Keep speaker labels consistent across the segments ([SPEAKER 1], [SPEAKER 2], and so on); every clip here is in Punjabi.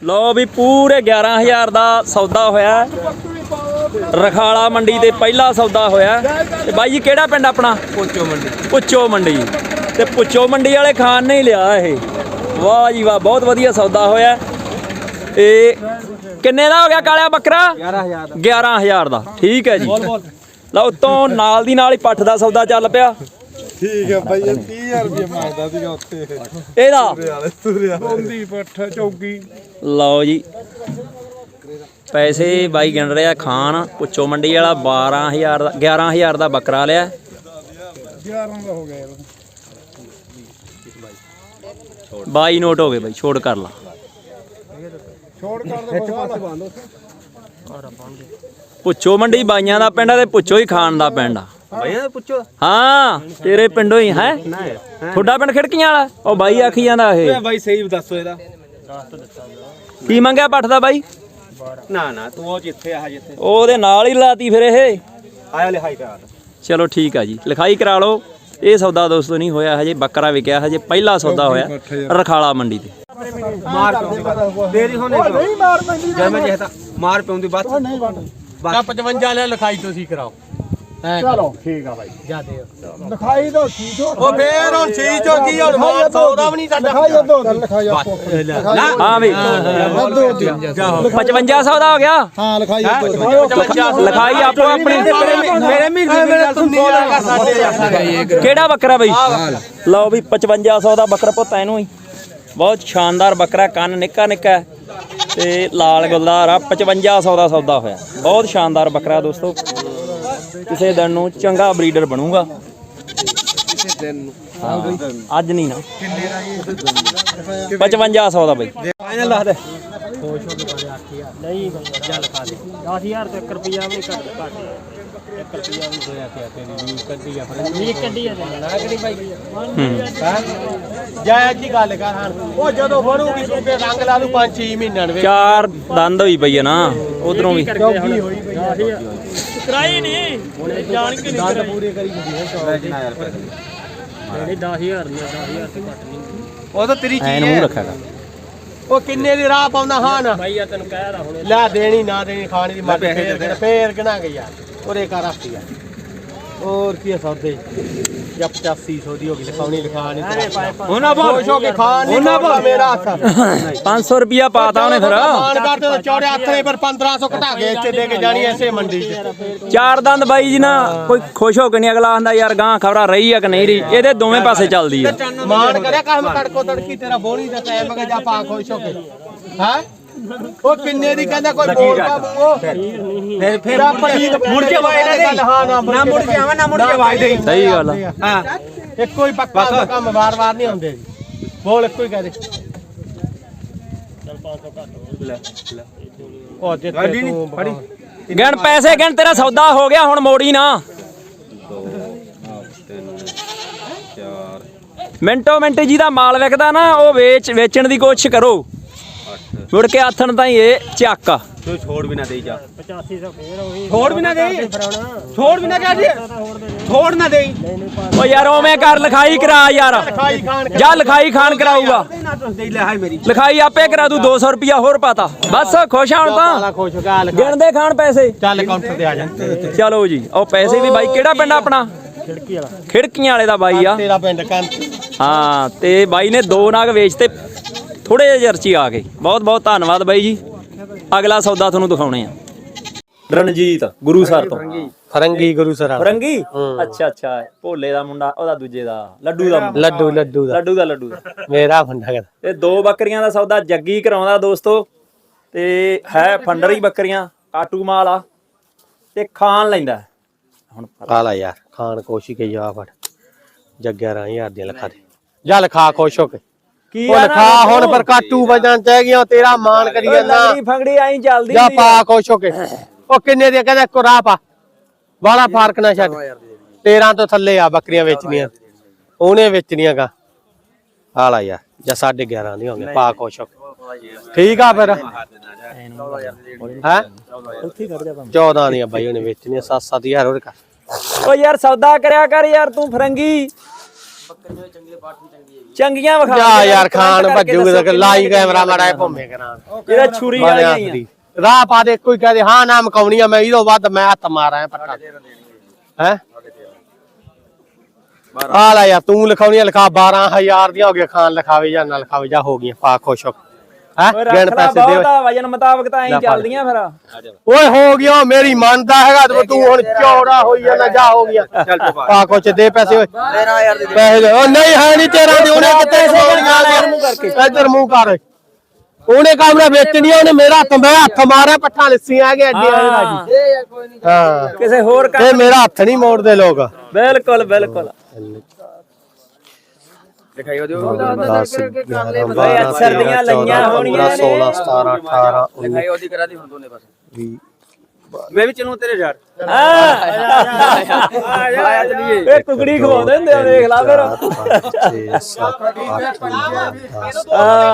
[SPEAKER 1] लो भी पूरे 11,000 का सौदा होया रखाला मंडी ते पहला सौदा होया। ते बाई जी केड़ा पिंड अपना? पुच्चो मंडी। पुच्चो मंडी ते पुच्चो मंडी वाले खान ने ही लिया ये। वाह जी वाह, बहुत वधिया सौदा होया। ते किन्ने दा हो गया कालिया बकरा? 11,000 दा। ठीक है जी। लो उत्तों नाल दी नाल ही पट्ठ दा सौदा चल पिया।
[SPEAKER 2] ठीक है भाई, 30,000 रुपये मांगदा सीगा उत्थे
[SPEAKER 1] एदा
[SPEAKER 2] रोंदी पट्ठ चौकी।
[SPEAKER 1] लो जी पैसे बाई गिन रहा खान पुच्चो मंडी वाला 12,000 दा 11,000 दा बकरा लिया।
[SPEAKER 2] 11 ਦਾ ਹੋ ਗਿਆ ਯਾਰ।
[SPEAKER 1] 22 नोट हो गए भाई, छोड़ कर ला।
[SPEAKER 2] ਛੋੜ ਕਰ ਦੇ ਪਾਸੇ ਬੰਦ।
[SPEAKER 1] पुच्छो मंडी बाइयां दा पिंड ते पुच्छो ही खान दा पिंड आ।
[SPEAKER 3] भैया पुछो।
[SPEAKER 1] हाँ तेरे पिंडों ही है। थोड़ा पिंड खिड़कियां वाला ओ बाई आखी जांदा ए
[SPEAKER 3] भाई सही दसो एदा
[SPEAKER 1] की मंगया पट्ठ दा बाई?
[SPEAKER 3] ना ना तू ओ जिथे आ जिथे
[SPEAKER 1] ओदे नाल ही लाती फिर ये।
[SPEAKER 3] आया लिखाई करा।
[SPEAKER 1] चलो ठीक है जी, लिखाई करा लो। ये सौदा दोस्तों नहीं होया हजे, बकरा विकया हजे, पहला सौदा होया रखाला मंडी ते।
[SPEAKER 3] मार देरी होने नहीं मार पैंदी जब मैं कहता मार पैंदी बात नहीं बात 55 ले लिखाई ਤੁਸੀਂ ਕਰਾਓ।
[SPEAKER 2] ਚਲੋ ਠੀਕ ਆ ਭਾਈ
[SPEAKER 3] ਜਾ ਦੇ
[SPEAKER 2] ਲਿਖਾਈ ਦੋ ਠੀਕ ਹੋ।
[SPEAKER 3] ਉਹ ਫੇਰ ਹੁਣ ਚੀਜ਼ ਹੋ ਗਈ ਹੁਣ ਮਾਰ ਸੌਦਾ ਵੀ ਨਹੀਂ ਸਾਡਾ।
[SPEAKER 2] ਲਿਖਾਈ ਦੋ ਲਿਖਾਈ ਆਪੋ
[SPEAKER 1] हाँ भाई 5500 ਦਾ ਹੋ ਗਿਆ।
[SPEAKER 2] ਹਾਂ ਲਿਖਾਈ ਦੋ
[SPEAKER 1] ਲਿਖਾਈ ਆਪੋ ਆਪਣੀ।
[SPEAKER 3] ਮੇਰੇ ਮਹੀਨੇ ਤੂੰ 16 ਦਾ ਸਾਡੇ
[SPEAKER 1] ਕਿਹੜਾ ਬੱਕਰਾ ਬਈ? ਲਓ ਵੀ 5500 ਦਾ ਬੱਕਰਾ ਪੁੱਤ ਇਹਨੂੰ ਹੀ। ਬਹੁਤ ਸ਼ਾਨਦਾਰ ਬੱਕਰਾ, ਕੰਨ ਨਿੱਕਾ ਨਿੱਕਾ ਤੇ ਲਾਲ ਗੁਲਦਾਰ ਆ। 5500 ਦਾ ਸੌਦਾ ਹੋਇਆ। ਬਹੁਤ ਸ਼ਾਨਦਾਰ ਬੱਕਰਾ ਦੋਸਤੋ, ਕਿਸੇ ਦਿਨ ਨੂੰ ਚੰਗਾ ਬਰੀਡਰ ਬਣੂਗਾ। ਅੱਜ ਨਹੀਂ ਨਾ 5500 ਦਾ ਬਈ
[SPEAKER 3] ਫਾਈਨਲ ਲਾ ਦੇ।
[SPEAKER 4] ਨਹੀਂ ਚੱਲ ਖਾ ਦੇ 10,000 ਤੇ 1 ਰੁਪਿਆ ਵੀ ਘੱਟ 1 ਰੁਪਿਆ ਵੀ ਹੋਇਆ ਕਿ ਤੇਰੀ ਕੱਢੀ ਆ ਫਿਰ ਨੀ ਕੱਢੀ ਆ ਨਾ ਕਰੀ ਬਾਈ।
[SPEAKER 3] ਜਾਇਜ਼ ਜੀ ਗੱਲ ਕਰ ਹਾਂ। ਉਹ ਜਦੋਂ ਬਣੂਗੀ ਸੂਬੇ ਰੰਗ ਲਾ ਦੂ 5-6 ਮਹੀਨਿਆਂ ਦੇ।
[SPEAKER 1] ਚਾਰ ਦੰਦ ਹੋਈ ਪਈ ਆ ਨਾ ਉਧਰੋਂ ਵੀ।
[SPEAKER 4] ਕਰਾਈ ਨਹੀਂ ਜਾਣ ਕੇ
[SPEAKER 3] ਦੰਦ ਪੂਰੇ ਕਰੀ ਹੁੰਦੀ ਹੈ 10000 ਰੁਪਏ।
[SPEAKER 4] ਨਹੀਂ 10,000 ਨਹੀਂ 10,000 ਤੇ ਘੱਟ ਨਹੀਂ।
[SPEAKER 3] ਉਹ ਤਾਂ ਤੇਰੀ
[SPEAKER 1] ਐਨ
[SPEAKER 3] ਚੀਜ਼
[SPEAKER 1] ਮੂੰਹ
[SPEAKER 3] ਹੈ।
[SPEAKER 1] ਰੱਖਿਆ
[SPEAKER 3] ਉਹ ਕਿੰਨੇ ਦੀ ਰਾਹ ਪਾਉਂਦਾ ਹਾਂ ਨਾ
[SPEAKER 4] ਬਾਈ ਆ ਤੈਨੂੰ ਕਹਿ ਰਹਾ ਹੁਣੇ
[SPEAKER 3] ਲੈ ਦੇਣੀ ਨਾ ਦੇਣੀ ਖਾਣੀ ਦੀ ਮਰਜ਼ੀ। ਫੇਰ ਕਿਹਨਾਂ ਗਈ ਯਾਰ ਉਹਦੇ ਘਰ ਆਸੀ ਯਾਰ ਹੋਰ ਕੀ ਸੌਦੇ ਜਾਂ 8500 ਦੀ ਹੋ ਗਈ ਲਿਖਾਉਣੀ ਲਿਖਾਣੀ ਉਹਨਾਂ ਖੁਸ਼ ਹੋ ਕੇ ਖਾਣ ਨਹੀਂ ਉਹਨਾਂ ਮੇਰਾ ਹੱਥ
[SPEAKER 1] 500 ਰੁਪਿਆ ਪਾਤਾ ਉਹਨੇ ਫਿਰ।
[SPEAKER 3] ਖਾਣ ਕਰਦੇ ਤਾਂ ਚੌੜੇ ਹੱਥੇ ਪਰ 1500 ਘਟਾ ਕੇ ਇੱਥੇ ਦੇ ਕੇ ਜਾਣੀ ਐਸੇ ਮੰਡੀ 'ਚ।
[SPEAKER 1] ਚਾਰ ਦੰਦ ਬਾਈ ਜੀ ਨਾ ਕੋਈ ਖੁਸ਼ ਹੋ ਕੇ ਨਹੀਂ ਅਗਲਾ ਆਂਦਾ ਯਾਰ ਗਾਂ ਖਬਰਾਂ ਰਹੀ ਆ ਕਿ ਨਹੀਂ ਰਹੀ। ਇਹਦੇ ਦੋਵੇਂ ਪਾਸੇ ਚੱਲਦੀ ਆ।
[SPEAKER 3] ਮਾਨ ਕਰਿਆ ਕੰਮ ਕੜਕੋ ਤੜਕੀ ਤੇਰਾ ਬੋਣੀ ਦਾ ਟਾਈਮ ਮਗੇ ਜਾ ਪਾ ਖੁਸ਼ ਹੋ ਕੇ ਹੈ। ਉਹ ਕਿੰਨੇ ਦੀ ਕਹਿੰਦਾ ਕੋਈ ਬੋਲਦਾ ਉਹ ਫਿਰ ਮੁੜ ਕੇ ਵਾਇ ਨਾ ਦੇ। ਹਾਂ ਨਾ ਮੁੜ ਕੇ ਆਵਾਂ ਨਾ ਮੁੜ ਕੇ ਵਾਇ ਦੇ।
[SPEAKER 1] ਸਹੀ ਗੱਲ ਆ।
[SPEAKER 3] ਹਾਂ ਇੱਕੋ ਹੀ ਪੱਕਾ ਕੰਮ ਵਾਰ-ਵਾਰ ਨਹੀਂ ਹੁੰਦੇ ਜੀ। ਬੋਲ ਇੱਕੋ ਹੀ ਕਹਿ ਦੇ।
[SPEAKER 4] ਚੱਲ 500 ਘੱਟ
[SPEAKER 3] ਲੈ ਉਹ ਜਿੱਤੇ ਤੂੰ ਫੜੀ
[SPEAKER 1] ਗਿਣ ਪੈਸੇ ਗਿਣ, ਤੇਰਾ ਸੌਦਾ ਹੋ ਗਿਆ ਹੁਣ ਮੋੜੀ ਨਾ।
[SPEAKER 3] 2 3 4
[SPEAKER 1] ਮਿੰਟੋ ਮਿੰਟ ਜਿਹਦਾ ਮਾਲ ਵਿਕਦਾ ਨਾ ਉਹ ਵੇਚਣ ਦੀ ਕੋਸ਼ਿਸ਼ ਕਰੋ। ਮੁੜ ਕੇ ਆਥਣ ਤਾਂ ਇਹ ਚੱਕ
[SPEAKER 3] ਤੂੰ ਛੋੜ ਵੀ ਨਾ ਦੇਈ ਜਾ।
[SPEAKER 4] 8500 ਫੇਰ ਉਹੀ
[SPEAKER 3] ਛੋੜ ਵੀ ਨਾ ਦੇਈ। ਛੋੜ ਵੀ ਨਾ ਕਹਿ ਦੇ। ਛੋੜ ਨਾ ਦੇਈ।
[SPEAKER 1] ਓ ਯਾਰ ਉਵੇਂ ਕਰ, ਲਿਖਾਈ ਕਰਾ ਯਾਰ।
[SPEAKER 3] ਖਾਈ ਖਾਣ
[SPEAKER 1] ਜਾ ਲਿਖਾਈ ਖਾਨ ਕਰਾਊਗਾ।
[SPEAKER 3] ਦੇ ਲੈ ਹਾਈ ਮੇਰੀ
[SPEAKER 1] ਲਿਖਾਈ ਆਪੇ ਕਰਾ ਦੂ। 200 ਰੁਪਿਆ ਹੋਰ ਪਾਤਾ ਬਸ। ਖੁਸ਼ ਹੁਣ ਤਾਂ
[SPEAKER 3] ਸਾਲਾ ਖੁਸ਼ ਹੋ ਗਿਆ।
[SPEAKER 1] ਗਿਣਦੇ ਖਾਣ ਪੈਸੇ।
[SPEAKER 3] ਚੱਲ ਕਾਊਂਟਰ ਤੇ ਆ ਜਾ।
[SPEAKER 1] ਚਲੋ ਜੀ ਉਹ ਪੈਸੇ ਵੀ ਬਾਈ। ਕਿਹੜਾ ਪਿੰਡ ਆਪਣਾ?
[SPEAKER 4] ਖਿੜਕੀ ਵਾਲਾ
[SPEAKER 1] ਖਿੜਕੀਆਂ ਵਾਲੇ ਦਾ ਬਾਈ ਆ।
[SPEAKER 3] ਤੇਰਾ ਪਿੰਡ ਕੰਨ।
[SPEAKER 1] ਹਾਂ ਤੇ ਬਾਈ ਨੇ 2 ਨਾਗ ਵੇਚਤੇ ਥੋੜੇ ਜਿਹੇ ਚਰਚੀ ਆ ਗਏ। ਬਹੁਤ ਬਹੁਤ ਧੰਨਵਾਦ ਬਾਈ ਜੀ। ਅਗਲਾ ਸੌਦਾ ਤੁਹਾਨੂੰ ਦਿਖਾਉਣੇ ਆ। ਰਣਜੀਤ ਗੁਰੂਸਰ ਤੋਂ
[SPEAKER 3] ਫਰੰਗੀ ਗੁਰੂਸਰ
[SPEAKER 1] ਫਰੰਗੀ। ਅੱਛਾ ਅੱਛਾ, ਭੋਲੇ ਦਾ ਮੁੰਡਾ, ਉਹਦਾ ਦੂਜੇ ਦਾ ਲੱਡੂ ਦਾ ਮੁੰਡਾ। ਲੱਡੂ ਦਾ
[SPEAKER 3] ਮੇਰਾ ਫੰਡਾ ਕਰ।
[SPEAKER 1] ਤੇ 2 ਬੱਕਰੀਆਂ ਦਾ ਸੌਦਾ ਜੱਗੀ ਕਰਾਉਂਦਾ ਦੋਸਤੋ। ਤੇ ਹੈ ਫੰਡਰੀ ਬੱਕਰੀਆਂ, ਕਾਟੂ ਮਾਲ ਆ ਤੇ ਖਾਣ ਲੈਂਦਾ ਹੁਣ।
[SPEAKER 3] ਖਾ ਲਾ ਯਾਰ ਖਾਣ ਕੋਸ਼ਿਸ਼ ਕੇ ਜਾ ਫੜ ਜੱਗਿਆ 11,000 ਦੀਆਂ ਲਿਖਾ ਦੇ। ਜਾ ਲਿਖਾ ਖੁਸ਼ ਹੋ ਕੇ
[SPEAKER 1] ਕੀ
[SPEAKER 3] ਉਹ ਲਿਖਾ ਹੁਣ ਪਰ ਕਾਟੂ ਵਜਣ ਚਾਹ ਗਿਆ ਤੇਰਾ ਮਾਨ ਕਰੀ ਜਾਂਦਾ।
[SPEAKER 1] ਫੰਗੜੀ ਆਈ ਚੱਲਦੀ
[SPEAKER 3] ਜਾ ਪਾ ਖੁਸ਼ ਹੋ ਕੇ। ਉਹ ਕਿੰਨੇ ਦੀ ਕਹਿੰਦਾ ਇੱਕੋ ਰਾਹ ਪਾ ਵਾਲਾ ਫਰਕ ਨਾ ਛੱਡ। 13 ਤੋਂ ਥੱਲੇ ਆ ਬੱਕਰੀਆਂ ਵੇਚਣੀਆਂ ਉਹਨੇ ਵੇਚਣੀਆਂ ਗਾ। ਆ ਲਾ ਯਾਰ ਜਾਂ 11.5 ਦੀ ਹੋਗੇ ਪਾ ਖੁਸ਼ ਹੋ ਕੇ। ਠੀਕ ਆ ਫਿਰ ਹੈ 14 ਦੀਆਂ ਬਾਈ ਉਹਨੇ ਵੇਚਣੀਆਂ 7-7 ਹੋਰ ਕਰ।
[SPEAKER 1] ਓ ਯਾਰ ਸੌਦਾ ਕਰਿਆ ਕਰ ਯਾਰ ਤੂੰ ਫਰੰਗੀ।
[SPEAKER 3] ਬੱਕਰੀਆਂ ਚੰਗੇ ਪਾਠ ਵੀ ਚੰਗੀ ਹੈਗੀ।
[SPEAKER 1] ਚੰਗੀਆਂ ਵਿਖਾ
[SPEAKER 3] ਜਾ ਯਾਰ ਖਾਨ ਭੱਜੂਗਾ ਤੇ ਲਾਈ ਕੈਮਰਾ ਮਾੜਾ ਭੋਮੇ ਕਰਾਂ
[SPEAKER 1] ਇਹਦਾ ਛੁਰੀ ਵਾਲੀਆਂ ਹੀ ਆ।
[SPEAKER 3] ਰਾਹ ਪਾ ਦੇ ਕੋਈ ਕਹਦੇ ਹਾਂ ਨਾ ਮਕਾਉਣੀ ਆ ਮੈਂ ਇਹਦੋਂ ਵੱਧ ਮੈਂ ਹੱਥ ਮਾਰਾਂ ਪੱਟਾ ਹੈ ਆ ਲੈ ਯਾਰ ਤੂੰ ਲਿਖਾਉਣੀ ਲਿਖਾ 12000 ਦੀਆਂ ਹੋ ਗਈਆਂ ਖਾਨ ਲਿਖਾਵੇ ਜਾਂ ਨਾ ਲਿਖਾਵੇ ਜਾਂ ਹੋ ਗਈਆਂ ਪਾ ਖੁਸ਼ ਹੋ ਹੈ ਗਿਣ ਪੈਸੇ ਦੇ
[SPEAKER 1] ਵਜਨ ਮੁਤਾਬਕ ਤਾਂ ਐਂ ਚੱਲਦੀਆਂ ਫਿਰ
[SPEAKER 3] ਓਏ ਹੋ ਗਿਆ ਮੇਰੀ ਮੰਨਦਾ ਹੈਗਾ ਤੇ ਤੂੰ ਹੁਣ ਚੌੜਾ ਹੋਈ ਜਾਂਦਾ ਜਾ ਹੋ ਗਿਆ ਪਾ ਕੁਛ ਦੇ ਪੈਸੇ ਓਏ
[SPEAKER 1] 13000 ਦੇ
[SPEAKER 3] ਪੈਸੇ ਦੇ ਉਹ ਨਹੀਂ ਹੈ ਨਹੀਂ ਤੇਰਾ ਦੇ ਉਹਨੇ ਕਿੱਥੇ ਇੱਧਰ ਮੂੰਹ ਕਰ ਉਹਨੇ ਕੰਮ ਨਾ ਵੇਚਣੀ ਉਹਨੇ ਮੇਰਾ ਹੱਥ ਮੈਂ ਹੱਥ ਮਾਰਿਆ ਪੱਠਾ ਲੱਸੀਆਂ ਆ ਗਏ ਐਡੇ ਰਾਜੀ ਹਾਂ
[SPEAKER 1] ਕਿਸੇ ਹੋਰ ਕੰਮ
[SPEAKER 3] ਇਹ ਮੇਰਾ ਹੱਥ ਨਹੀਂ ਮੋੜਦੇ ਲੋਕ
[SPEAKER 1] ਬਿਲਕੁਲ ਬਿਲਕੁਲ
[SPEAKER 2] ਦਿਖਾਈ ਉਹਦੇ
[SPEAKER 3] 10 11 12
[SPEAKER 1] ਸਰਦੀਆਂ ਲਈਆਂ ਹੋਣੀਆਂ
[SPEAKER 3] 16 17 18
[SPEAKER 2] ਦਿਖਾਈ ਉਹਦੀ ਕਰਾ ਦੀ ਹੁਣ ਦੋਨੇ ਪਾਸੇ
[SPEAKER 3] 20
[SPEAKER 2] ਮੈਂ ਵੀ ਚਲੂ ਤੇਰੇ ਯਾਰ
[SPEAKER 1] ਆਇਆ ਚਲੀਏ ਇਹ ਕੁਕੜੀ ਖਵਾਉਂਦੇ ਹੁੰਦੇ ਆ ਦੇਖ ਲਾ ਫਿਰ
[SPEAKER 3] 6 7 8 9 10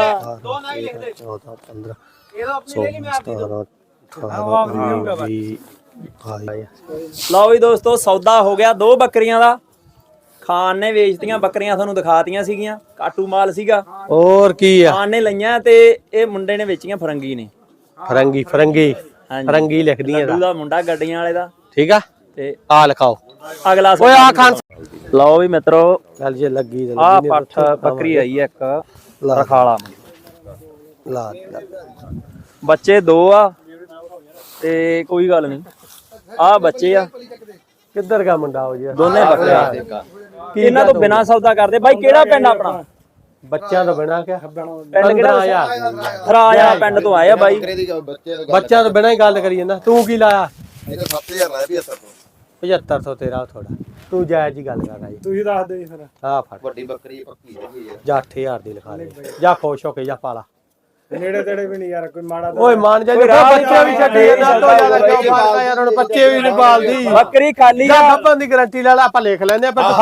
[SPEAKER 3] 14 15 16 17 18
[SPEAKER 1] ਲਓ ਵੀ ਦੋਸਤੋ ਸੌਦਾ ਹੋ ਗਿਆ 2 ਬੱਕਰੀਆਂ ਦਾ ਖਾਨ ਨੇ ਵੇਚਤੀਆਂ ਬੱਕਰੀਆਂ ਤੁਹਾਨੂੰ ਦਿਖਾਤੀਆਂ ਸੀਗੀਆਂ ਕਾਟੂ ਮਾਲ ਸੀਗਾ
[SPEAKER 3] ਹੋਰ ਕੀ ਆ
[SPEAKER 1] ਖਾਨ ਨੇ ਲਈਆਂ ਤੇ ਇਹ ਮੁੰਡੇ ਨੇ ਵੇਚੀਆਂ ਫਰੰਗੀ ਨੇ
[SPEAKER 3] ਫਰੰਗੀ ਫਰੰਗੀ ਲਿਖਦੀ ਆ
[SPEAKER 1] ਲੱਡੂ ਦਾ ਮੁੰਡਾ ਗੱਡੀਆਂ ਵਾਲੇ ਦਾ
[SPEAKER 3] ਠੀਕ ਆ
[SPEAKER 1] ਤੇ
[SPEAKER 3] ਆ ਲਿਖਾਓ
[SPEAKER 1] ਅਗਲਾ
[SPEAKER 3] ਓਏ ਆ ਖਾਨ
[SPEAKER 1] ਲਓ ਵੀ ਮਿੱਤਰੋ
[SPEAKER 3] ਚੱਲ ਜੇ ਲੱਗੀ ਤੇ
[SPEAKER 1] ਆ ਪੱਠ ਬੱਕਰੀ ਆਈ ਇੱਕ ਰਖਾਲਾ
[SPEAKER 3] ਲਾ
[SPEAKER 1] ਬੱਚੇ 2 ਆ ਤੇ ਕੋਈ ਗੱਲ ਨਹੀਂ ਆ ਬੱਚੇ ਆ
[SPEAKER 3] ਕਿੱਧਰ ਗਾ ਮੁੰਡਾ ਹੋ ਜੀ
[SPEAKER 1] ਦੋਨੇ ਬੱਕਰੇ ਇਹਨਾਂ ਤੋਂ ਬਿਨਾ ਸੌਦਾ ਕਰਦੇ ਬਾਈ ਕਿਹੜਾ ਪਿੰਡ ਆਪਣਾ
[SPEAKER 3] ਬੱਚਿਆਂ ਤੋਂ ਬਿਨਾ ਕਿਆ
[SPEAKER 1] ਪਿੰਡ ਕਿਹੜਾ ਥਰਾਇਆ ਪਿੰਡ ਤੋਂ ਆਇਆ ਬਾਈ
[SPEAKER 3] ਬੱਚਿਆਂ ਤੋਂ ਬਿਨਾ ਹੀ ਗੱਲ ਕਰੀ ਜਾਂਦਾ ਤੂੰ ਕੀ ਲਾਇਆ
[SPEAKER 2] ਇਹ 7000 ਲਾਇਆ
[SPEAKER 3] 7500 ਤੇਰਾ ਥੋੜਾ ਤੂੰ ਜਾਇਜ਼ ਹੀ ਗੱਲ ਕਰਦਾ ਜੀ
[SPEAKER 4] ਤੁਸੀਂ ਦੱਸ ਦਿਓ ਫਿਰ
[SPEAKER 3] ਆ ਫੜ
[SPEAKER 2] ਵੱਡੀ ਬੱਕਰੀ ਪੱਕੀ ਹੈਗੀ ਯਾਰ
[SPEAKER 3] ਜਾ 8000 ਦੀ ਲਿਖਾ ਦੇ ਜਾ ਖੁਸ਼ ਹੋ ਕੇ ਜਾ ਪਾਲਾ
[SPEAKER 4] ਨੇੜੇ ਤੇੜੇ ਵੀ ਨਹੀਂ ਯਾਰ ਕੋਈ ਮਾੜਾ
[SPEAKER 3] ਓਏ ਮਾਨ ਜਾ ਬੱਚੇ ਵੀ ਛੱਡੀ ਜਾਂਦਾ ਤੋਂ ਜ਼ਿਆਦਾ ਕਿਉਂ ਪਾਲਦਾ ਯਾਰ ਹੁਣ ਬੱਚੇ ਵੀ ਨਹੀਂ ਪਾਲਦੀ
[SPEAKER 1] ਬੱਕਰੀ ਖਾਲੀ
[SPEAKER 3] ਜਾ ਗੱਪਾਂ ਦੀ ਗਾਰੰਟੀ ਲੈ ਲੈ ਆਪਾਂ ਲਿਖ ਲੈਂਦੇ ਆ ਪਰ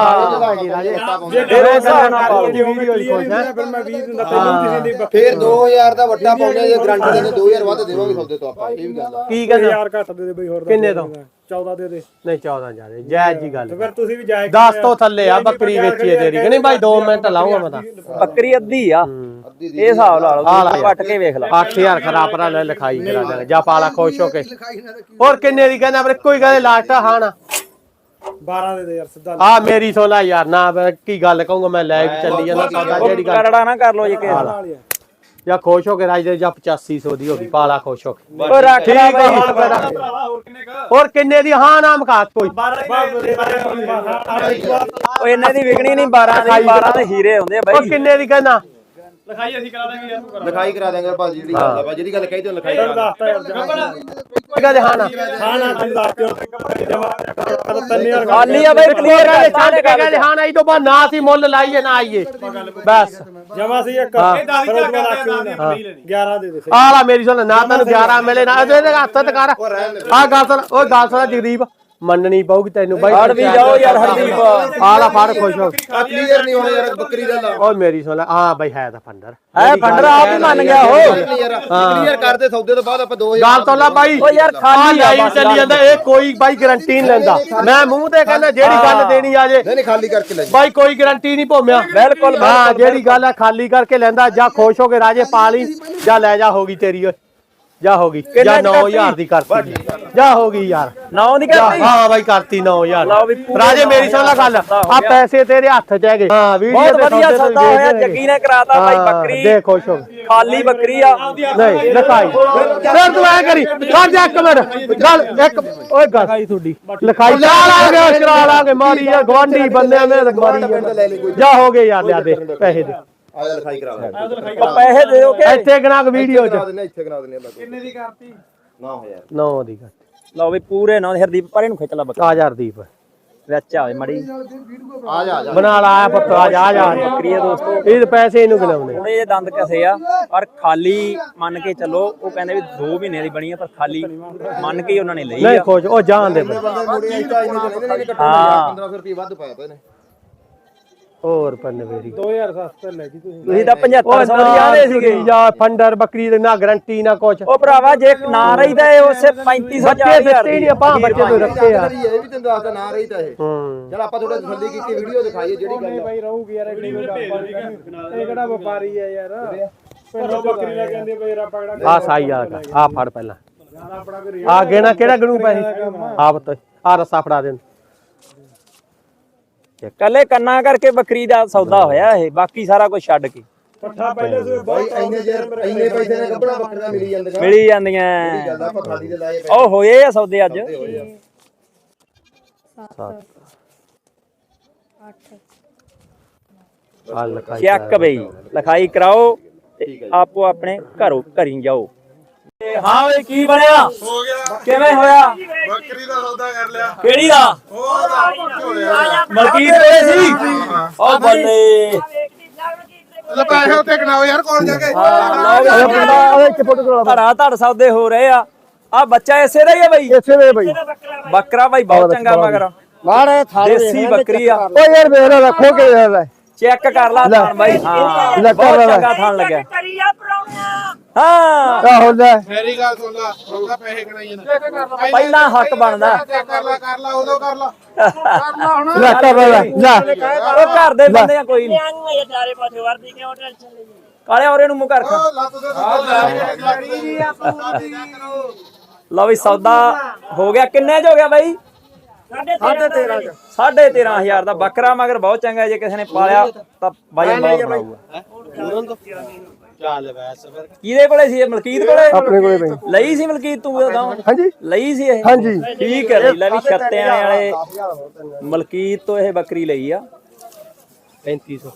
[SPEAKER 4] ਫਿਰ ਮੈਂ 20 ਦਿੰਦਾ ਤੈਨੂੰ ਕਿਸੇ ਦੀ
[SPEAKER 2] ਫੇਰ 2000 ਦਾ ਵੱਡਾ ਪਾਉਂਦੇ ਜੇ ਗਾਰੰਟੀ ਦੇ 2000 ਵੱਧ ਦੇਵਾਂਗੇ ਸੌਦੇ ਤੋਂ ਆਪਾਂ ਇਹ ਵੀ ਗੱਲ ਆ
[SPEAKER 3] ਕੀ ਕਹਿੰਦਾ
[SPEAKER 4] ਯਾਰ ਘੱਟ ਦੇ ਦੇ ਬਈ ਹੋਰ
[SPEAKER 3] ਕਿੰਨੇ ਤੋਂ
[SPEAKER 4] 14 ਦੇ ਦੇ
[SPEAKER 3] ਨਹੀਂ 14 ਜਾਦੇ ਜਾਇਜ਼ ਜੀ ਗੱਲ
[SPEAKER 4] ਫਿਰ ਤੁਸੀਂ ਵੀ ਜਾਇਜ਼
[SPEAKER 3] 10 ਤੋਂ ਥੱਲੇ ਆ ਬੱਕਰੀ ਵੇਚੀ ਹੈ ਤੇਰੀ ਕਿ ਨਹੀਂ ਭਾਈ 2 ਮਿੰਟ ਲਾਉਂਗਾ ਮੈਂ ਤਾਂ
[SPEAKER 1] ਬੱਕਰੀ ਅੱਧੀ ਆ ਇਹ ਹਿਸਾਬ ਲਾ ਲਓ ਪੱਟ ਕੇ ਵੇਖ ਲਾ
[SPEAKER 3] 8000 ਖਰਾਬ ਰਾ ਲੈ ਲਿਖਾਈ ਕਰਾ ਦੇ ਜਾ ਪਾਲਾ ਖੁਸ਼ ਹੋ ਕੇ ਹੋਰ ਕਿੰਨੇ ਦੀ ਕਹਿੰਦਾ ਪਰ ਕੋਈ ਗੱਲ ਲਾਸਟ ਹਾਂ ਨਾ
[SPEAKER 4] 12 ਦੇ ਦੇ ਯਾਰ ਸਿੱਧਾ
[SPEAKER 3] ਆ ਮੇਰੀ ਸੋਲਾ ਯਾਰ ਨਾ ਕੀ ਗੱਲ ਕਹੂੰਗਾ ਮੈਂ ਲੈ ਕੇ ਚੱਲੀ ਜਾਂਦਾ ਸੌਦਾ ਜਿਹੜੀ ਗੱਲ
[SPEAKER 1] ਕਰੜਾ ਨਾ ਕਰ ਲੋ ਜੇ ਕਿਸੇ
[SPEAKER 3] ਜਾਂ ਖੁਸ਼ ਹੋ ਕੇ ਰਾਜ ਦੇ ਜਾਂ 8500 ਦੀ ਹੋ ਗਈ ਪਾਲਾ ਖੁਸ਼ ਹੋ ਕੇ
[SPEAKER 1] ਓ ਰੱਖ
[SPEAKER 3] ਠੀਕ ਹੈ ਹੋਰ ਕਿੰਨੇ ਦੀ ਹਾਂ ਨਾਮ ਕਾ ਕੋਈ
[SPEAKER 1] ਓ ਇਹਨਾਂ ਦੀ ਵਿਕਣੀ ਨਹੀਂ 12 ਦੀ 12 ਦੇ ਹੀਰੇ ਹੁੰਦੇ ਆ
[SPEAKER 3] ਉਹ
[SPEAKER 1] ਬਾਈ
[SPEAKER 3] ਕਿੰਨੇ ਦੀ ਕਹਿੰਦਾ
[SPEAKER 2] ਲਿਖਾਈ ਕਰਾ ਦਾਂਗੇ ਭਾਜੀ ਜਿਹੜੀ ਗੱਲ ਆ ਜਿਹੜੀ ਗੱਲ ਕਹੀ ਤੇ ਲਿਖਾਈ ਕਰਾ
[SPEAKER 3] ਕਹਿੰਦੇ ਹਾਂ ਨਾ
[SPEAKER 4] ਤੂੰ ਦੱਸ ਦਿਓ 3000
[SPEAKER 1] ਖਾਲੀ ਆ ਬਾਈ ਕਲੀਅਰ
[SPEAKER 3] ਕਹਿੰਦੇ ਹਾਂ ਨਾ ਇਹ ਤੋਂ ਬਾਅਦ ਨਾ ਸੀ ਮੁੱਲ ਲਾਈਏ ਨਾ ਆਈਏ ਬਸ
[SPEAKER 4] ਜਮਾ ਸੀ ਇੱਕ ਫਿਰ ਉਹ ਤੋਂ ਬਾਅਦ 11 ਦੇ ਦੇ
[SPEAKER 3] ਆਲਾ ਮੇਰੀ ਸੁਣ ਨਾ ਤੈਨੂੰ 11 ਮਿਲੇ ਨਾ ਇਹਦੇ ਹੱਥ ਤੇ ਕਰ ਆ ਗੱਲ ਸੁਣ ਉਹ ਗੱਲ ਸੁਣ ਜਗਦੀਪ ਮੰਨਣੀ ਪਊਗੀ ਤੈਨੂੰ ਬਾਈ
[SPEAKER 1] ਫੜ ਵੀ ਜਾਓ ਯਾਰ ਹਰਦੀਪ
[SPEAKER 3] ਆਲਾ ਫੜ ਖੁਸ਼ ਹੋ
[SPEAKER 2] ਕਲੀਅਰ ਨਹੀਂ ਹੋਣਾ ਯਾਰ ਬੱਕਰੀ ਦਾ ਲਾ
[SPEAKER 3] ਓ ਮੇਰੀ ਸੁਣ ਹਾਂ ਬਾਈ ਹੈ ਤਾਂ ਫੰਡਰ
[SPEAKER 1] ਐ ਫੰਡਰ ਆਪ ਹੀ ਮੰਨ ਗਿਆ ਹੋ
[SPEAKER 2] ਕਲੀਅਰ ਕਰਦੇ ਸੌਦੇ ਤੋਂ ਬਾਅਦ ਆਪਾਂ 2000
[SPEAKER 3] ਗੱਲ ਤੋਂ ਲਾ ਬਾਈ
[SPEAKER 1] ਓ ਯਾਰ ਖਾਲੀ ਆ
[SPEAKER 3] ਲਾਈਵ ਚੱਲੀ ਜਾਂਦਾ ਇਹ ਕੋਈ ਬਾਈ ਗਾਰੰਟੀ ਨਹੀਂ ਲੈਂਦਾ ਮੈਂ ਮੂੰਹ ਤੇ ਕਹਿੰਦਾ ਜਿਹੜੀ ਗੱਲ ਦੇਣੀ ਆ ਜੇ
[SPEAKER 2] ਨਹੀਂ ਖਾਲੀ ਕਰਕੇ ਲੈ
[SPEAKER 3] ਬਾਈ ਕੋਈ ਗਾਰੰਟੀ ਨਹੀਂ ਭੋਮਿਆ
[SPEAKER 1] ਬਿਲਕੁਲ
[SPEAKER 3] ਹਾਂ ਜਿਹੜੀ ਗੱਲ ਆ ਖਾਲੀ ਕਰਕੇ ਲੈਂਦਾ ਜਾਂ ਖੁਸ਼ ਹੋ ਕੇ ਰਾਜੇ ਪਾ ਲਈ ਜਾਂ ਲੈ ਜਾ ਹੋਗੀ ਤੇਰੀ ਓਏ ਜਾ ਹੋਗੀ ਜਾਂ 9000 ਦੀ ਕਰਤੀ ਜਾ ਹੋਗੀ ਯਾਰ
[SPEAKER 1] 9 ਦੀ ਕਰਤੀ
[SPEAKER 3] ਹਾਂ ਬਾਈ ਕਰਤੀ 9000
[SPEAKER 1] ਲਓ ਵੀ ਪੂਰੇ
[SPEAKER 3] ਰਾਜੇ ਮੇਰੀ ਸੁਣ ਲੈ ਗੱਲ ਆ ਪੈਸੇ ਤੇਰੇ ਹੱਥ ਚ ਹੈਗੇ ਹਾਂ ਵੀਡੀਓ
[SPEAKER 1] ਬਹੁਤ
[SPEAKER 3] ਤੇ
[SPEAKER 1] ਵਧੀਆ ਸੌਦਾ ਹੋਇਆ ਜੱਗੀ ਨੇ ਕਰਾਤਾ ਬਾਈ ਬੱਕਰੀ
[SPEAKER 3] ਦੇ ਖੁਸ਼ ਹੋ
[SPEAKER 1] ਖਾਲੀ ਬੱਕਰੀ ਆ
[SPEAKER 3] ਨਹੀਂ ਲਿਖਾਈ ਫਿਰ ਤੂੰ ਐ ਕਰੀ ਖੜ ਜਾ ਇੱਕ ਮਿੰਟ ਗੱਲ ਇੱਕ ਓਏ ਗੱਲ ਤੁਹਾਡੀ ਲਿਖਾਈ ਲਾ ਲਾਂਗੇ ਚਲਾ ਲਾਂਗੇ ਮਾਰੀ ਯਾਰ ਗਵਾਂਢੀ ਬੰਦਿਆਂ ਨੇ ਮਾਰੀ ਜਾ ਹੋ ਗਏ ਯਾਰ ਲਿਆ ਦੇ ਪੈਸੇ ਦੇ
[SPEAKER 2] ਆ ਲਿਖਾਈ ਕਰਾ ਦੇ
[SPEAKER 1] ਉਹ ਪੈਸੇ ਦੇ ਦਿਓ ਕਿ
[SPEAKER 3] ਇੱਥੇ ਗਨਾ ਕੇ ਵੀਡੀਓ ਚ
[SPEAKER 2] ਇੱਥੇ ਕਰਾ ਦਿੰਦੇ ਆ ਕਿੰਨੇ ਦੀ ਕਰਤੀ 9000
[SPEAKER 3] 9 ਦੀ ਗੱਲ
[SPEAKER 1] ਲਓ ਵੀ ਪੂਰੇ 9 ਹਰਦੀਪ ਪਰੇ ਨੂੰ ਖਿੱਚ ਲਾ ਬੱਕਰੀ
[SPEAKER 3] ਆ ਜਾ ਹਰਦੀਪ
[SPEAKER 1] ਵਿੱਚ ਆਵੇ ਮੜੀ
[SPEAKER 2] ਆ ਜਾ
[SPEAKER 3] ਬਣਾ ਲਾ ਪੁੱਤ ਆ ਜਾ
[SPEAKER 1] ਬੱਕਰੀ ਆ ਦੋਸਤੋ
[SPEAKER 3] ਇਹ ਪੈਸੇ ਇਹਨੂੰ ਗਿਣਾਉਣੇ
[SPEAKER 1] ਥੋੜੇ ਜਿਹੇ ਦੰਦ ਕਸੇ ਆ ਪਰ ਖਾਲੀ ਮੰਨ ਕੇ ਚੱਲੋ ਉਹ ਕਹਿੰਦੇ ਵੀ 2 ਮਹੀਨੇ ਦੀ ਬਣੀ ਆ ਪਰ ਖਾਲੀ ਮੰਨ ਕੇ ਹੀ ਉਹਨਾਂ ਨੇ ਲਈ
[SPEAKER 3] ਨਹੀਂ
[SPEAKER 1] ਆ
[SPEAKER 3] ਖੁਸ਼ ਉਹ ਜਾਣ ਦੇ
[SPEAKER 2] ਬੰਦੇ ਮੁੜੇ ਆਈ ਤਾਂ ਇਹਨੇ ਲੈਂਦੇ ਨੇ
[SPEAKER 1] ਹਾਂ
[SPEAKER 2] 1500 ਰੁਪਏ ਵੱਧ ਪਾਇਆ ਪਏ ਨੇ
[SPEAKER 3] ਹੋਰ ਪੰਨ ਮੇਰੀ
[SPEAKER 4] 2000 ਸਸਤਾ ਲੈ ਜੀ ਤੁਸੀਂ
[SPEAKER 1] ਤੁਸੀਂ ਤਾਂ 7500 ਦੀ ਆਦੇ ਸੀਗੇ
[SPEAKER 3] ਜਾਂ ਫੰਡਰ ਬੱਕਰੀ ਦੇ ਨਾ ਗਰੰਟੀ ਨਾ ਕੁਛ
[SPEAKER 1] ਉਹ ਭਰਾਵਾ ਜੇ ਨਾ ਰਹੀ ਤਾਂ ਇਹ ਉਸੇ 3500
[SPEAKER 3] ਬੱਚੇ ਦਿੱਤੇ ਹੀ ਨਹੀਂ ਆਪਾਂ ਬੱਚੇ ਤੋਂ ਰੱਖੇ ਆ
[SPEAKER 2] ਇਹ ਵੀ ਤੈਨੂੰ ਦੱਸਦਾ ਨਾ ਰਹੀ ਤਾਂ ਇਹ
[SPEAKER 3] ਹੂੰ
[SPEAKER 2] ਚਲ ਆਪਾਂ ਥੋੜਾ ਤਸੱਲੀ ਕੀਤੀ ਵੀਡੀਓ ਦਿਖਾਈਏ ਜਿਹੜੀ ਗੱਲ ਆ।
[SPEAKER 4] ਬਾਈ ਰਹੂਗੀ ਯਾਰ ਇਹ ਕਿਹੜਾ ਵਪਾਰੀ ਹੈ ਯਾਰ ਪਿੰਡ ਬੱਕਰੀ ਲੈ ਕੇ ਆਂਦੇ ਬਈ ਰੱਪਾ ਕਿਹੜਾ
[SPEAKER 3] ਆ ਸਾਈ ਆ ਫੜ ਪਹਿਲਾਂ ਆ ਗੇਣਾ ਕਿਹੜਾ ਗਣੂ ਪੈਸੇ ਆਪ ਤੋਂ ਆ ਰਸਾ ਫੜਾ ਦੇ
[SPEAKER 1] ਕੱਲੇ ਕੰਨਾਂ ਕਰਕੇ ਬੱਕਰੀ ਦਾ ਸੌਦਾ ਹੋਇਆ ਇਹ ਬਾਕੀ ਸਾਰਾ ਕੁਝ ਛੱਡ ਕੇ
[SPEAKER 4] ਪੱਠਾ ਪਹਿਲੇ ਸੂਏ
[SPEAKER 2] ਬਾਈ ਇੰਨੇ ਪੈਸੇ ਨੇ ਗੱਬੜਾ ਬੱਕਰਾ ਮਿਲੀ ਜਾਂਦੀਆਂ
[SPEAKER 1] ਮਿਲੀ ਜਾਂਦੀਆਂ
[SPEAKER 2] ਗੱਲ ਆਪਾਂ ਖਾਲੀ ਦੇ ਲਾਏ
[SPEAKER 1] ਉਹ ਹੋਏ ਆ ਸੌਦੇ ਅੱਜ
[SPEAKER 3] ਆ ਲਖਾਈ
[SPEAKER 1] ਚੈੱਕ ਬਈ ਲਿਖਾਈ ਕਰਾਓ ਤੇ ਆਪੋ ਆਪਣੇ ਘਰੀ ਜਾਓ ਹਾਂ ਓਏ ਕੀ ਬਣਿਆ ਹੋ ਗਿਆ ਕਿਵੇਂ ਹੋਇਆ
[SPEAKER 5] ਬੱਕਰੀ ਦਾ ਸੌਦਾ ਕਰ ਲਿਆ
[SPEAKER 1] ਕਿਹੜੀ ਦਾ ਮਲਕੀਤ ਕੋਲੇ ਸੀ ਉਹ ਬੱਲੇ
[SPEAKER 5] ਲੈ ਪੈਸੇ ਉੱਤੇ ਗਣਾਓ ਯਾਰ ਕੋਲ ਜਾ ਕੇ
[SPEAKER 1] ਧੜਾ ਧੜ ਸੌਦੇ ਹੋ ਰਹੇ ਆ ਬੱਚਾ ਇਸੇ ਦਾ ਹੀ ਆ ਬਈ
[SPEAKER 3] ਇਸੇ ਵੇ ਬਈ
[SPEAKER 1] ਬੱਕਰਾ ਬਾਈ ਬਹੁਤ ਚੰਗਾ ਮਗਰ
[SPEAKER 3] ਮਾੜੇ
[SPEAKER 1] ਦੇਸੀ ਬੱਕਰੀ ਆ
[SPEAKER 3] ਓ ਯਾਰ ਮੇਰਾ ਰੱਖੋ ਕੇ ਯਾਰ
[SPEAKER 1] ਚੈੱਕ ਕਰ ਲਾ ਥਾਣ ਬਾਈ ਹਾਂ
[SPEAKER 3] ਲੈ ਕਰ
[SPEAKER 1] ਬਹੁਤ
[SPEAKER 3] ਲੈ।
[SPEAKER 1] ਚੰਗਾ ਥਾਣ ਲੱਗਿਆ ਹਾਂ
[SPEAKER 3] ਆਹੋ ਲੈ
[SPEAKER 5] ਮੇਰੀ ਗੱਲ ਸੁਣ ਲਾ ਉਹਦਾ ਪੈਸੇ ਗਣਾਈ ਜਾਂਦਾ
[SPEAKER 1] ਪਹਿਲਾਂ ਹੱਕ ਬਣਦਾ
[SPEAKER 5] ਕਰ ਲਾ ਉਦੋਂ ਕਰ ਲਾ
[SPEAKER 3] ਲੈ ਕਰ ਲੈ ਲੈ
[SPEAKER 1] ਉਹ ਘਰ ਦੇ ਬੰਦੇ ਆ ਕੋਈ ਨਹੀਂ ਕਾਲੇ ਔਰੇ ਨੂੰ ਮੂੰਹ ਕਰ ਖਾ
[SPEAKER 5] ਲੱਤ ਦੇ
[SPEAKER 1] ਲਓ ਵੀ ਸੌਦਾ ਹੋ ਗਿਆ ਕਿੰਨੇ ਚ ਹੋ ਗਿਆ ਬਾਈ 13,500 ਦਾ ਬੱਕਰਾ ਮਗਰ ਬਹੁਤ ਚੰਗਾ ਜੇ ਕਿਸੇ ਨੇ ਪਾਲਿਆ ਤਾਂ ਬਾਈ ਬਹੁਤ ਬਣਾਊਗਾ
[SPEAKER 3] ਚੱਲ ਵੈਸ ਫਿਰ
[SPEAKER 1] ਕਿਹਦੇ ਕੋਲੇ ਸੀ ਇਹ ਮਲਕੀਤ ਕੋਲੇ
[SPEAKER 3] ਆਪਣੇ ਕੋਲੇ ਬਈ
[SPEAKER 1] ਲਈ ਸੀ ਮਲਕੀਤ ਤੂੰ ਉਦੋਂ
[SPEAKER 3] ਹਾਂਜੀ
[SPEAKER 1] ਲਈ ਸੀ ਇਹ
[SPEAKER 3] ਹਾਂਜੀ
[SPEAKER 1] ਠੀਕ ਹੈ ਲੈ ਵੀ ਛੱਤਿਆਂ ਵਾਲੇ ਮਲਕੀਤ ਤੋਂ ਇਹ ਬੱਕਰੀ ਲਈ ਆ
[SPEAKER 3] 3500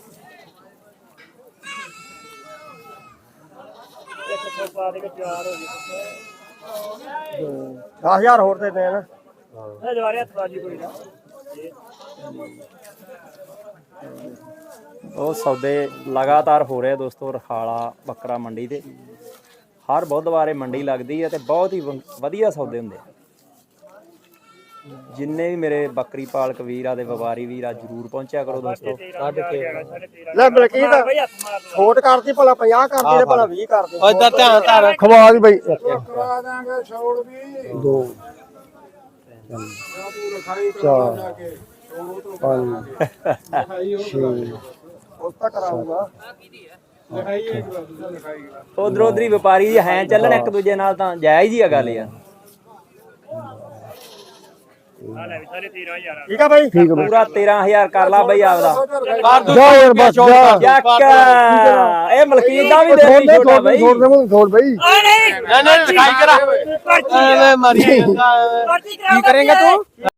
[SPEAKER 3] 10000 ਹੋਰ ਦੇ ਦੇ ਨਾ
[SPEAKER 1] ਉਹ ਸੌਦੇ ਲਗਾਤਾਰ ਹੋ ਰਹੇ ਦੋਸਤੋ ਰਖਾਲਾ ਬੱਕਰਾ ਮੰਡੀ ਤੇ ਹਰ ਬੁੱਧਵਾਰੇ ਮੰਡੀ ਲੱਗਦੀ ਹੈ ਤੇ ਬਹੁਤ ਹੀ ਵਧੀਆ ਸੌਦੇ ਹੁੰਦੇ ਆ ਜਿੰਨੇ ਵੀ ਮੇਰੇ ਬੱਕਰੀ ਪਾਲਕ ਵੀਰ ਆ ਤੇ ਵਪਾਰੀ ਵੀਰ ਆ ਜਰੂਰ ਪਹੁੰਚਿਆ ਕਰੋ ਦੋਸਤੋ
[SPEAKER 3] ਲੈ ਮਲਕੀਤ ਛੋਟ ਕਰਦੀ ਭਲਾ 50 ਕਰਦੀ ਤੇ ਭਲਾ 20 ਕਰਦੀ ਓ ਇਧਰ ਧਿਆਨ ਧਰ ਖਵਾ ਦੀ ਬਈ
[SPEAKER 5] ਕਰਾ ਦਾਂਗੇ ਛੋੜ ਵੀ
[SPEAKER 3] 2 4 5
[SPEAKER 1] ਉਧਰ ਉਧਰੀ ਵਪਾਰੀ ਹੈ ਚੱਲਣ ਇੱਕ ਦੂਜੇ ਨਾਲ ਤਾਂ ਜਾਇਜ਼ ਹੀ ਆ ਗੱਲ ਯਾਰ
[SPEAKER 3] ਠੀਕ ਆ ਬਾਈ ਠੀਕ
[SPEAKER 1] ਪੂਰਾ 13,000 ਕਰ ਲਾ ਬਈ ਆਪਦਾ
[SPEAKER 3] ਜਾ ਯਾਰ ਬਸ ਜਾ
[SPEAKER 1] ਚੱਕ ਇਹ ਮਲਕੀਤ ਦਾ ਵੀ ਦੇ ਛੋਟਾ ਬਈ
[SPEAKER 3] ਛੋੜ ਬਈ ਨਹੀਂ ਲਿਖਾਈ ਕਰਾ ਐਵੇਂ ਮਰੀ ਕੀ ਕਰੇਂਗਾ ਤੂੰ